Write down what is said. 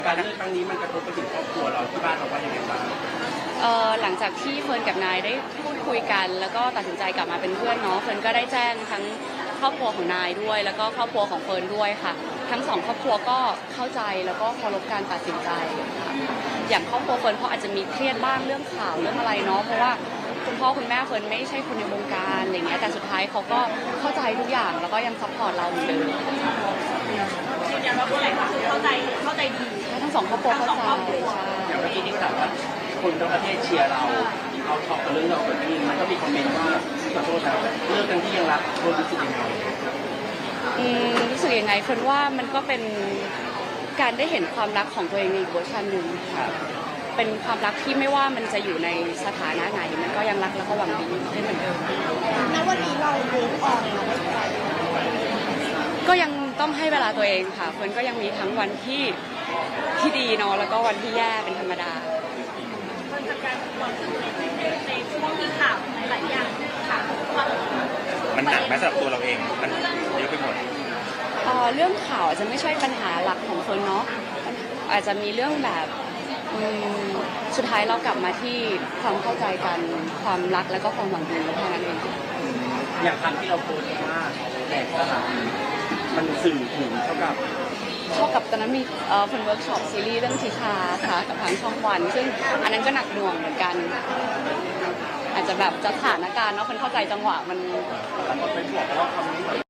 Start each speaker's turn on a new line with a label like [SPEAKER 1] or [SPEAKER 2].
[SPEAKER 1] การเลือกครั้งนี้มันกระทบไปถึงครอบครัวเราที่บ้านเราว่ายังไงบ้าง
[SPEAKER 2] หลังจากที่เฟิร์นกับนายได้พูดคุยกันแล้วก็ตัดสินใจกลับมาเป็นเพื่อนเนาะเฟิร์นก็ได้แจ้งทั้งครอบครัวของนายด้วยแล้วก็ครอบครัวของเฟิร์นด้วยค่ะทั้งสองครอบครัวก็เข้าใจแล้วก็เคารพการตัดสินใจค่ะอย่างครอบครัวเฟิร์นเขาอาจจะมีเครียดบ้างเรื่องข่าวเรื่องอะไรเนาะเพราะว่าคุณพ่อคุณแม่เฟิร์นไม่ใช่คนในวงการอะไรเงี้ยแต่สุดท้ายเขาก็เข้าใจทุกอย่างแล้วก็ยังซัพพอร์ตเราเหมือนเดิม
[SPEAKER 3] ยืนยันว่าผู้ใหญ่ก็คือเข้าใจดี
[SPEAKER 2] ทั้งสองครอบครัวเข้าใจ
[SPEAKER 1] อย่างเมื่อกี้ที่ถามว่าคนทั้งประเทศเชียร์เราเอาช็อกกับเรื่องเราเกิดขึ้นมันก็มีคอมเมนต์ว่าขอโทษนะเลิกกันที่ยังรักโดนรู้สึกยังไง
[SPEAKER 2] รู้สึกยังไงคนว่ามันก็เป็นการได้เห็นความรักของตัวเองในอีกเวอร์ชันหนึ่งเป็นความรักที่ไม่ว่ามันจะอยู่ในสถานะไหนมันก็ยังรักแล้วก็หวังดีได้เหมือนเดิม
[SPEAKER 3] ณวันนี้เราเลิกออนแล้ว
[SPEAKER 2] ก็ยังต้องให้เวลาตัวเองค่ะคนก็ยังมีทั้งวันที่ดีเนาะแล้วก็วันที่แย่เป็นธรรมดา
[SPEAKER 3] มันจะการในช่วงที่ข่าวหลายอย่างข่าว
[SPEAKER 4] มันหนักไหมสำหรับตัวเราเองมันเยอะไปหมด
[SPEAKER 2] เรื่องข่าวอาจจะไม่ใช่ปัญหาหลักของคนเนาะอาจจะมีเรื่องแบบสุดท้ายเรากลับมาที่ความเข้าใจกันความรักแล้วก็ความหวังดีเท่านั้นเอง
[SPEAKER 1] อย่างคำที่เราโพสต์ว่าแตกสลายมันสื่อถึงเท่ากับ
[SPEAKER 2] ตอนนั้นมีคนเวิร์กช็อปซีรีส์เรื่องทิชาค่ะกับทางช่องวันซึ่งอันนั้นก็หนักหน่วงเหมือนกันอาจจะแบบสถานการณ์เนาะคนเข้าใจจังหวะมัน
[SPEAKER 1] แต่คนไปบอกว่าคำนี้